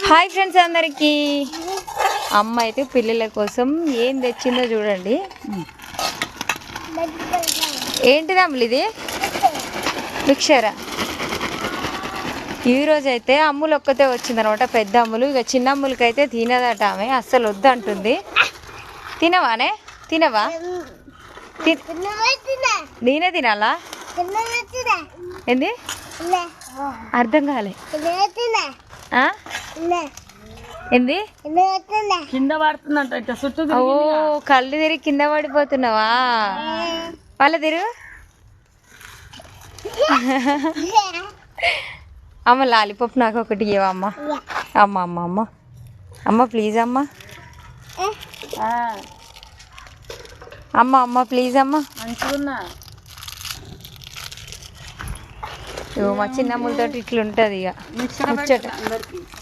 Hi friends అందరికీ. అమ్మ అయితే పిల్లల కోసం ఏం తెచ్చిందో చూడండి. ఏంటిది అమ్ములు ఇది? మిక్చరా. ఈరోజు అయితే అమ్ములు ఒక్కతే వచ్చిందనమాట, పెద్ద అమ్ములు. ఇక చిన్న అమ్ములకి అయితే తినదట, ఆమె అస్సలు వద్దంటుంది. తినవానే? తినవా? నేనే తినాలా? ఏంది అర్థం కాలే. ఏంది కింద పడుతుందంట. చుట్టూ ఓ కళ్ళు తిరిగి కింద పడిపోతున్నావా? వాళ్ళ తిరుగు. అమ్మ లాలీపాప్ నాకు ఒకటి ఇవ్వ అమ్మ. అమ్మ అమ్మ అమ్మ అమ్మ ప్లీజ్ అమ్మ. అమ్మ అమ్మ ప్లీజ్ అమ్మ. మంచిగున్నా మా చిన్నమ్మలతో ఇట్లా ఉంటుంది ఇక ముచ్చట.